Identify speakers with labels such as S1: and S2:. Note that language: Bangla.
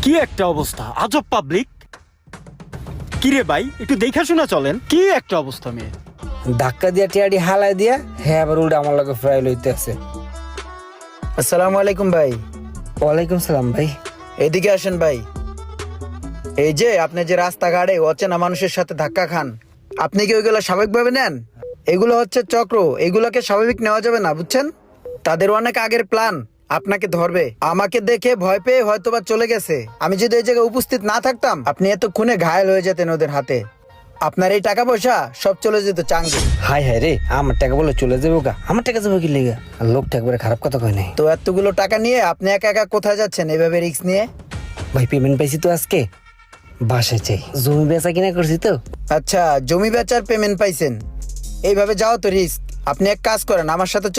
S1: কি একটা অবস্থা, আজব পাবলিক। কি রে ভাই, একটু দেখা শোনা চলেন। কি একটা অবস্থা মেয়ে।
S2: ধাক্কা দিয়া টিয়াডি হালাই দিয়া হ্যাঁ আবার উল্টা আমার লগে ফ্রাই লইতে আছে।
S3: আসসালামু আলাইকুম ভাই।
S2: ওয়ালাইকুম সালাম ভাই।
S3: এদিকে আসেন ভাই। এই যে আপনি যে রাস্তাঘাটে অচেনা মানুষের সাথে ধাক্কা খান, আপনি কি ওইগুলো স্বাভাবিকভাবে নেন? এগুলো হচ্ছে চক্র, এগুলোকে স্বাভাবিক নেওয়া যাবে না, বুঝছেন? তাদের অনেক আগের প্ল্যান, আপনাকে ধরবে। আমাকে দেখে ভয় পেয়ে হয়তোবা চলে গেছে। আমি যদি এই জায়গায় উপস্থিত না থাকতাম, আপনি এতক্ষণে ঘায়েল হয়ে যেতেন ওদের হাতে। আপনার এই টাকা পয়সা সব চলে যেত চাঙ্গে।
S2: হাই হাই রে, আমার টাকা বলে চলে যাবো গা? আমার টাকা যাবো কি লেগা? আর লোকটা একবারে খারাপ কথা কয় নাই।
S3: তো এতগুলো টাকা নিয়ে আপনি একা একা কোথায় যাচ্ছেন এভাবে রিস্ক নিয়ে?
S2: ভাই পেমেন্ট পাইছি তো আজকে, বাসায় চাই। জমি বেচা কিনা করছি তো।
S3: আচ্ছা, জমি বেচার পেমেন্ট পাইছেন, এইভাবে যাও তো রিস্ক। আপনি এক কাজ করেন, আমার সাথে